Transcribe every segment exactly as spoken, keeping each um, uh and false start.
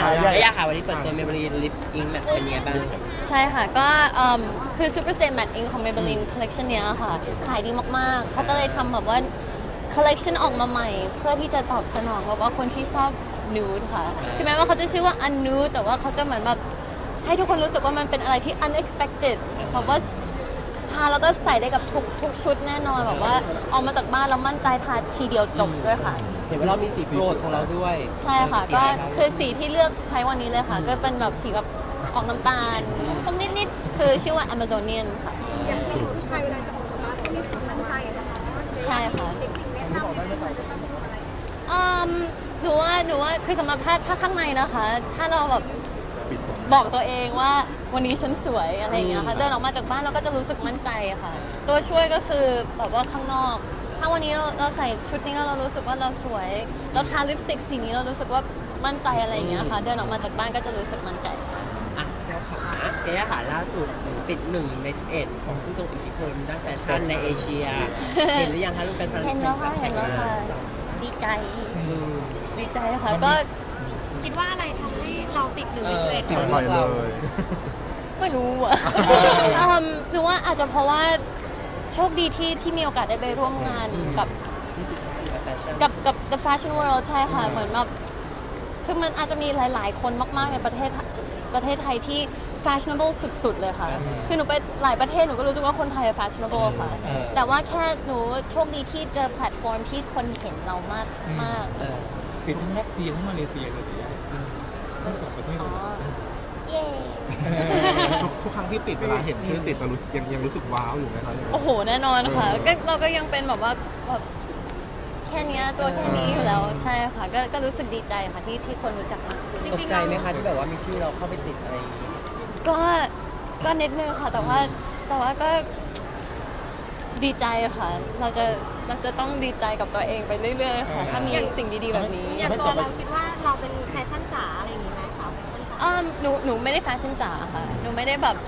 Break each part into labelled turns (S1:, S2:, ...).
S1: อยากค่ะวันนี้เปิดตัว Maybelline Lip Ink Matte เป็นยังไงบ้าง
S2: ใช่ค่ะก็คือ Super Stay Matte Ink ของ Maybelline Collection เนี้ยค่ะขายดีมากๆเขาก็เลยทำแบบว่า Collection ออกมาใหม่เพื่อที่จะตอบสนองแบบว่าคนที่ชอบ nude ค่ะถึงแม้ว่าเขาจะชื่อว่า unnude แต่ว่าเขาจะเหมือนแบบให้ทุกคนรู้สึกว่ามันเป็นอะไรที่ unexpected แบบว่าทาแล้วก็ใส่ได้กับทุกทุกชุดแน่นอนแบบว่าออกมาจากบ้านแล้วมั่นใจทาทีเดียวจบด้วยค่ะ
S1: เห็นว่าเรามีสีโปรดของเราด้วย
S2: ใช่ค่ะก็คือสีที่เลือกใช้วันนี้เลยค่ะก็เป็นแบบสีแบบออกน้ำตาลส้มนิดๆคือชื่อว่า Amazonian ค่ะ
S3: อย่างที่ผู้ชายเวลาจะออกจากบ้านต้องมีความมั่นใจนะคะ
S2: ใช่ค่ะ
S3: เทคนิคแนะนำยังไงคะจะต้องทำอะไร
S2: อืมหนูว่าหนูว่าคือสำหรับถ้าถ้าข้างในนะคะถ้าเราแบบบอกตัวเองว่าวันนี้ฉันสวยอะไรอย่างเงี้ยค่ะเดินออกมาจากบ้านเราก็จะรู้สึกมั่นใจค่ะตัวช่วยก็คือแบบว่าข้างนอกถ้าวันนี้เราเราใส่ชุดนี้แล้วเรารู้สึกว่าเราสวยเราทาลิปสติกสีนี้เรารู้สึกว่ามั่นใจอะไรอย่างเงี้ยค่ะเดินออกมาจากบ้านก็จะรู้สึกมั่นใจ
S1: อ่ะแก้วขาแก้วขาล่าสุดติดหนึ่งในสิบเอ็ดของผู้ทรงอิทธิพลด้านแฟชั่นในเอเชียเห็นหรือยังคะลูกเป็นแฟน
S2: เห็นแล้วค่ะเห็นแล้วค่ะดีใจดีใจค่ะก็
S3: คิดว่าอะไรทำให้เราติดหนึ่งในสิบเอ็ด
S4: ติดบ่อยเลย
S2: ไม่รู้อ่ะหรือว่าอาจจะเพราะว่าโชคดีที่ที่มีโอกาสได้ไปร่วมงานกับกับกับ The Fashion World ใช่ค่ะเหมือนแบบคือมันอาจจะมีหลายๆคนมากๆในประเทศประเทศไทยที่ fashionable สุดๆเลยค่ะคือหนูไปหลายประเทศหนูก็รู้สึกว่าคนไทย fashionable ค่ะแต่ว่าแค่หนูโชคดีที่เจอแพลตฟอร์มที่คนเห็นเรามากมาก
S4: ติดทั้งรัสเซียทั้งมาเลเซียเลยทั้งสองประเทศ
S2: เย้
S4: ทุกครั้งที่ติดเวลาเห็นชื่อติดจะรู้สึกยังยังรู้สึกว้าวอยู่ไหมคะ
S2: โอ้โหแน่นอนค่ะก็เราก็ยังเป็นแบบว่าแบบแค่นี้ตัวแค่นี้อยู่แล้วใช่ค่ะก็ก็รู้สึกดีใจค่ะที่ที่คนรู้จักมากขึ้น
S1: ตกใจไหมคะที่แบบว่ามีชื่อเราเข้าไปติดอะไรอย่างนี้
S2: ก็ก็นิดนึงค่ะแต่ว่าแต่ว่าก็ดีใจค่ะเราจะเราจะต้องดีใจกับตัวเองไปเรื่อยๆค่ะถ้ามีสิ่งดีๆแบบนี้
S3: อย่างตัวเราคิดว่าเราเป็นแฟชั่นจ๋าอะไรอย่างนี้ไหมสาวแฟชั่นจ๋า
S2: อืมหนูหนูไม่ได้แฟชั่นจ๋าค่ะหนูไม่ได้แบบ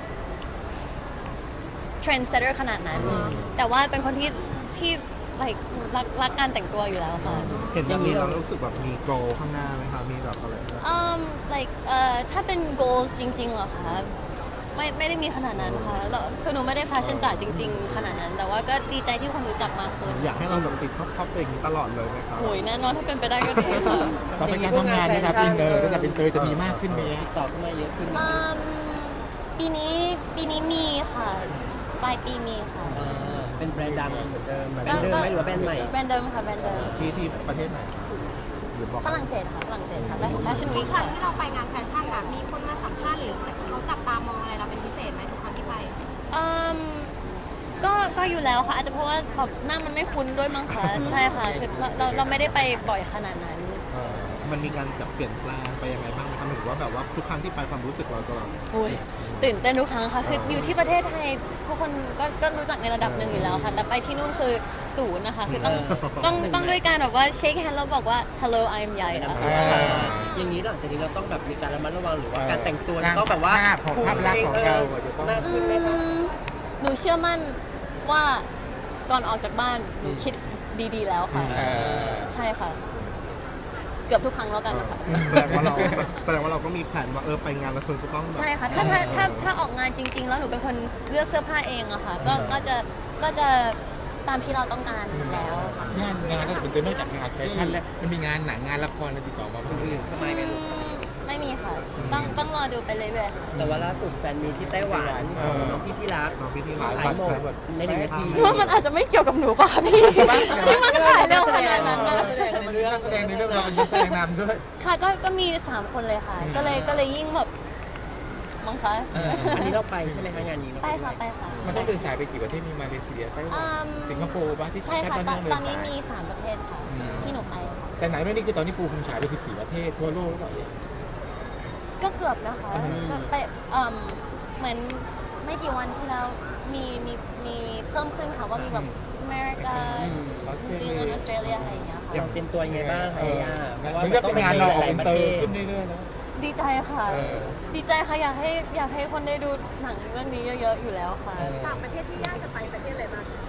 S2: เทรนด์เซตเตอร์ขนาดนั้นแต่ว่าเป็นคนที่ที่like รักรักการแต่งตัวอยู่แล้วค่ะ
S4: เห็นแบบนี้เรารู้สึกแบบมี goal ข้างหน้าไหมคะมีแบบอะไร
S2: อืม like เอ่อถ้าเป็น goals จริงๆเหรอคะไม่ไม่ได้มีขนาดนั้นค่ะแล้วคือหนูไม่ได้แฟชั่นจ๋าจริงๆขนาดนั้นแต่ว่าก็ดีใจที่คนรู้จักมากขึ้น
S4: อยากให้เราแบบติดท็อปๆอย่างนี้ตลอดเลยไหมคะ
S2: โอ้ยแน่นอนถ้าเป็นไปได้ก็ดีค่ะ
S4: เราเป็นการทำงานนะครับอินเตอร์ก็จะเป็นเตอร์จะมีมากขึ้นไหม
S1: ติดต่อขึ้นมาเยอะขึ้น
S2: ปีนี้ปีนี้มีค่ะปลายปีมีค่ะ
S1: เป็นแบรนด์ดังเหมือนเดิมแบรนด์เดิมไหมหรือว่าแบรนด์ใหม่
S2: แบรนด์เดิมค่ะแบรนด์เดิม
S4: ที่ที่ประเทศไหน
S2: ฝรั่งเศสค่ะฝรั่งเศสค่ะแบรนด์แฟชั่นวีค
S3: ครั้งที่เราไปงานแฟชั่นอะมีคนมาสัมภาษณ์หรือเขาจับตามองอะไรเราเป็นพิเศษไหมทุกครั้งที่ไป
S2: อืมก็ก็อยู่แล้วค่ะอาจจะเพราะว่าแบบหน้ามันไม่คุ้นด้วยมั้งคะใช่ค่ะคือเราเราไม่ได้ไปบ่อยขนาดนั้น
S4: มันมีการแบบเปลี่ยนแปลงไปยังไงบ้างไหมคะหรือว่าแบบว่าทุกครั้งที่ไปความรู้สึกเราจะแบบ
S2: ตื่นเต้นทุกครั้งค่ะคืออยู่ที่ประเทศไทยทุกคนก็ก็รู้จักในระดับหนึ่งอยู่แล้วค่ะแต่ไปที่นู่นคือศูนย์นะคะคือต้องต้องต้องด้วยการแบบว่าเช็คแฮนด์แล้วบอกว่า hello I'm ใหญ่นะคะ
S1: อย่างนี้หลังจากนี้เราต้องแบบมีการระมัดระวังหรือว่าการแต่งตัวต้องแบบว่า
S4: ภาพลักษณ์ของเราจะต้อง
S2: หนูเชื่อมั่นว่าก่อนออกจากบ้านหนูคิดดีๆแล้วค่ะใช่ค่ะเกือบทุกครั้งแล้วกันนะคะ
S4: แสดงว่าเราแสดงว่าเราก็มีแผนว่าเออไปงานแล้วส่วนจะต้อง
S2: ใช่ค่ะถ้าถ้าถ้าถ้าออกงานจริงๆแล้วหนูเป็นคนเลือกเสื้อผ้าเองอะค่ะก็ก็จะก็จะตามที่เราต้องการแล้ว
S4: งานงานก็จะเป็นตัวนอกจากงานแฟชั่นแล้วมันมีงานหนังงานละครอะไรติดต่อมาคนอื่น
S1: ทำไมกัน
S2: ไม่มีค่ะต้องต้องรอดูไปเรื่อยๆ
S1: แต่ว่าล่าสุดแฟนมีที่ไต้หวันน้องพี่ที่รัก
S4: น้องพี่ที่รัก
S1: ขายหมดในหนึ่งนาที
S2: ว่ามันอาจจะไม่เกี่ยวกับหนูป่ะพี่ที่มันขายเร็วขนาดนั้นนะ
S4: แสดงในเรื่องแสดงในเรื่องเราเป็นแสดงนำด้วย
S2: ค่ะก็ก็มีสามคนเลยค่ะก็เลยก็เลยยิ่งแบบมั้งคะ
S1: อันนี้เราไปใช่ไหมคะงานนี้
S2: ไปค่ะไปค่ะ
S4: มันต้องเดินสายไปกี่ประเทศมีมาเลเซียไต้หวันสิงคโปร์ป่ะที่
S2: ใช่ค่ะตอนนี้มีสามประเทศค่ะที่หนูไป
S4: แต่ไหนไม่นี่คือตอนนี้ปูคุณฉายไปสิบสี่ประเทศทั่วโลกหรือเปล่า
S2: ก็เกือบนะคะก็ไปเหมือนไม่กี่วันที่แล้วมีมีมีเพิ่มขึ้นค่ะว่ามีแบบอเมริกานิวซีแลนด์ออสเตรเลียอะไรอย่างเงี้ยค่ะ
S1: ยังเตรียมตัวยังไงบ้างคะย่า
S4: มันก็เป็นงานเราออกเป็นเตอร์ขึ้นเรื่อยๆแล้ว
S2: ดีใจค่ะดีใจค่ะอยากให้อยากให้คนได้ดูหนังเรื่องนี้เยอะๆอยู่แล้วค่ะ
S3: สามประเทศที่ย่าจะไปประเทศอะไรบ้าง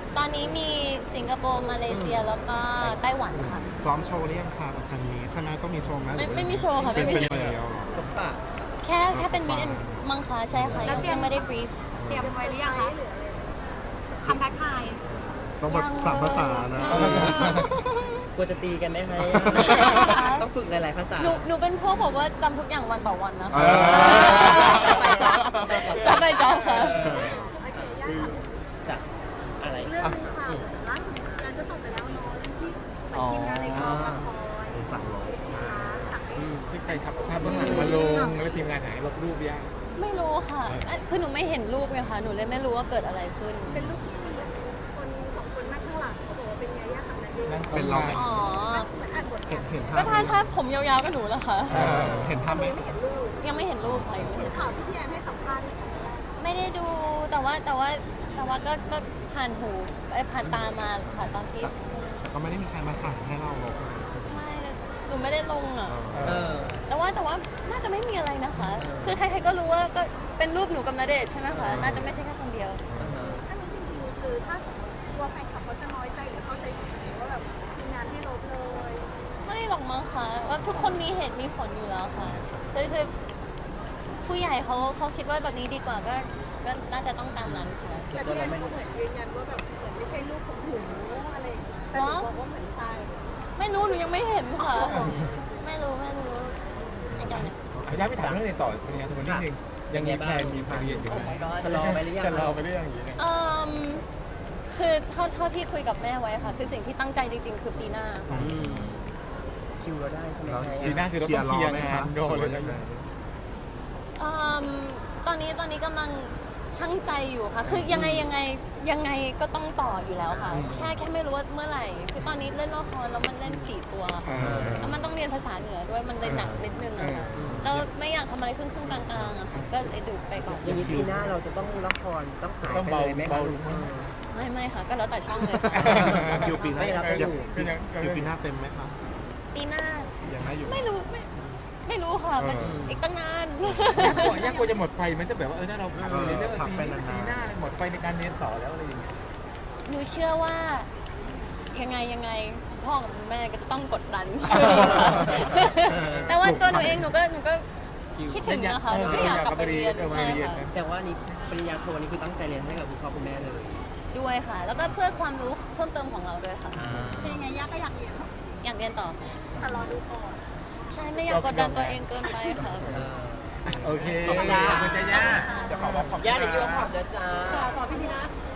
S2: ตอนนี้มีสิงคโปร์มาเลเซียแล้วก็ไต้หวันค่ะ
S4: ซ้อมโชว์หรือยังคะกับครั้งนี้ใช่ไหมต้องมีโชว์ไหม
S2: ไม่ไม่มีโชว์ค่ะ
S4: เป็น
S2: ไม่มี
S4: เป็น
S2: โชว์
S4: เดียวเหรอ
S1: พบปะ
S2: แค่แค่เป็นมิดมังคะใช่ค่ะยังยังไม่ได้บรีฟ
S3: เตรียมไว้หรือยังคะคำทักทาย
S4: ต้องแบบสามภาษานะ
S1: กลัวจะตีกันไหมคะต้องฝึกหลายๆภาษา
S2: หนูหนูเป็นพวกแบบว่าจำทุกอย่างวันต่อวันนะ
S4: เอ
S2: คะ
S4: อ
S2: จำไปจำค่ะ
S1: จะอะไร
S5: เรื่องนึงค่ะล่าสุดงานก็ตกไปแล้วเนาะเรื่องที่เหมือนทีมงานในกองละคร
S4: สั่งลบ
S5: สั่งให้
S6: ที่ไปทับภาพเบื้องหลังมาลงแล้วทีมงานหายลบรูปยัง
S2: ไม่รู้ค่ะอ่ะคือหนูไม่เห็นรูปไงค่ะหนูเลยไม่รู้ว่าเกิดอะไรขึ้น
S5: เป็นรูปที่เปลี่ยนคนสองคนนั่งข้างหลังเขาบอกว่าเป็นยาย่ากับนันเดช
S6: นั่ง
S5: น์
S4: เป็นเราไหม
S2: อ๋อ
S5: เหมือนอ่านบท
S4: เห็นเห็นภา
S2: ก็
S4: พ
S2: ถ้าถ้าผมยาวๆก็หนูแหละค่ะ
S4: เออเห็นภาพไหม
S5: ไม่เห็นรูป
S2: ยังไม่เห็นรูปค่ะยังไม่เห็น
S5: ข่าวที่พี่แอนให้สัมภาษณ์
S2: ไม่ได้ดูแต่ว่าแต่ว่าแต่ว่าก็ก็ผ่านหูไอ้ยผ่านตามาค่ะตอนที่
S4: แต่ก็ไม่ได้มีใครมาสั่งให้เราลบอะไรใช่ไหม
S2: ไม่เลยหนูไม่ได้ลงอ่ะ
S1: เออ
S2: แต่ว่าแต่ว่าน่าจะไม่มีอะไรนะคะ คือใครๆก็รู้ว่าก็เป็นรูปหนูกับณเดชน์ใช่ไหมคะ น่าจะไม่ใช่แค่คนเดียว
S5: อันนี้จริงๆคือถ้าสมมติกลัวแฟนคลับเขาจะน้อยใจหรือเข้าใจผิดว่าแบบทีมงานให้ลบเลย
S2: ไม่หรอกมั้งคะว่าทุกคนมีเหตุมีผลอยู่แล้วค่ะคือคือผู้ใหญ่เขาเขาคิดว่าแบบนี้ดีกว่าก็ก็น่าจะต้องตามนั้นค่ะ
S5: แต่พี่แอนเขาเหมือนยืนยันว่าแบบเหมือนไม่ใช่รูปของหนูอะไรแต่หนูบอกว่าเหมือนใช่
S2: ไม่รู้หนูยังไม่เห็นค่ะ ไม่รู้ไม่รู้ไอ้เจ้าเนี่ย
S6: ขออนุญาตไปถามเรื่องในต่อเป็นไงทุกคนนิดนึงยังมีแพลนมีแพลนอยู่ไหม
S1: ชะลอไปหรือยัง
S6: จะรอไปเรื่องอย่างนี้เนี่ย
S2: เอ่มคือเท่าเท่าที่คุยกับแม่ไว้ค่ะ คือสิ่งที่ตั้งใจจริง ๆ คือปีหน้า
S1: อืมคิวเราได้ใช่ไหม
S4: แล้ว
S1: คะ
S6: ปีหน้าคือเราต้องเคลียร์งานโดนเลย
S4: ยังไง
S2: อืมตอนนี้ตอนนี้กำลังชั่งใจอยู่ค่ะ คือยังไงยังไงยังไงก็ต้องต่ออยู่แล้วค่ะ แค่แค่ไม่รู้ว่าเมื่อไหร่ คือตอนนี้เล่นละครแล้วมันเล่นสี่ตัว
S6: เออ
S2: แล้วมันต้องเรียนภาษาเหนือด้วยมันเลยหนักนิดนึงอะค่ะแล้วไม่อยากทำอะไรครึ่งครึ่งๆกลางๆอะค่ะก็เลยดูไปก่อน
S1: อย่างนี้ปีหน้าเราจะต้องละครต้องหาย
S6: ต้อง
S1: ไป
S6: เบา
S1: เลยไหม
S6: เบา
S1: คะ
S6: ลง
S2: ไม่ไม่ค่ะ ก็แล้วแต่ช่องเลยค่ะแล้วแต่
S4: คิว
S2: ช่อง
S4: ปีหน้า
S1: ไม่รับไม่อยู่
S6: คือยัง
S4: คิวปีหน้าเต็มไหมคะ
S2: ปีหน้า
S4: ยังได้อยู่
S2: ไม่รู้ไม่ไม่รู้ค่ะมันอีกตั้งนาน
S6: ยากกว่ายากกว่าจะหมดไฟมันจะแบบว่าเออถ้าเราพักไปเรื่อยๆ
S4: พักไป
S6: ปี
S4: นานๆ
S6: ปีหน้าหมดไฟในการเรียนต่อแล้วอะไรอย่างเงี้ย
S2: หนูเชื่อว่ายังไงยังไงพ่อกับแม่ก็จะต้องกดดัน แต่ว่าตัวหนูเองหนูก็หนูก็คิดถึงนะคะหนูก็อยากกลับไปเรียนใช่ค่ะ
S1: แต่ว่านี่ปริญญาโทนี่คือตั้งใจเรียนให้กับคุณพ่อคุณแม่เลย
S2: ด้วยค่ะ แล้วก็เพื่อความรู้เพิ่มเติมของเราด้วยค่ะ
S5: เป็นยังไงย่าก็อยากเรียน
S2: อยากเรียนต่อค่ะ
S5: แต่รอดูก่อน
S2: ใช่ไม่อยากกดดันตัวเองเกินไปค่ะ
S6: โอเค
S1: ขอบคุณ
S6: ขอบคุณจ้าย่าเดี๋ยวขอบอกขอบคุณ
S1: ย่าเดี๋ยวคิวขอบเดี๋ยวจ้า
S3: ต่อพี่พีนะ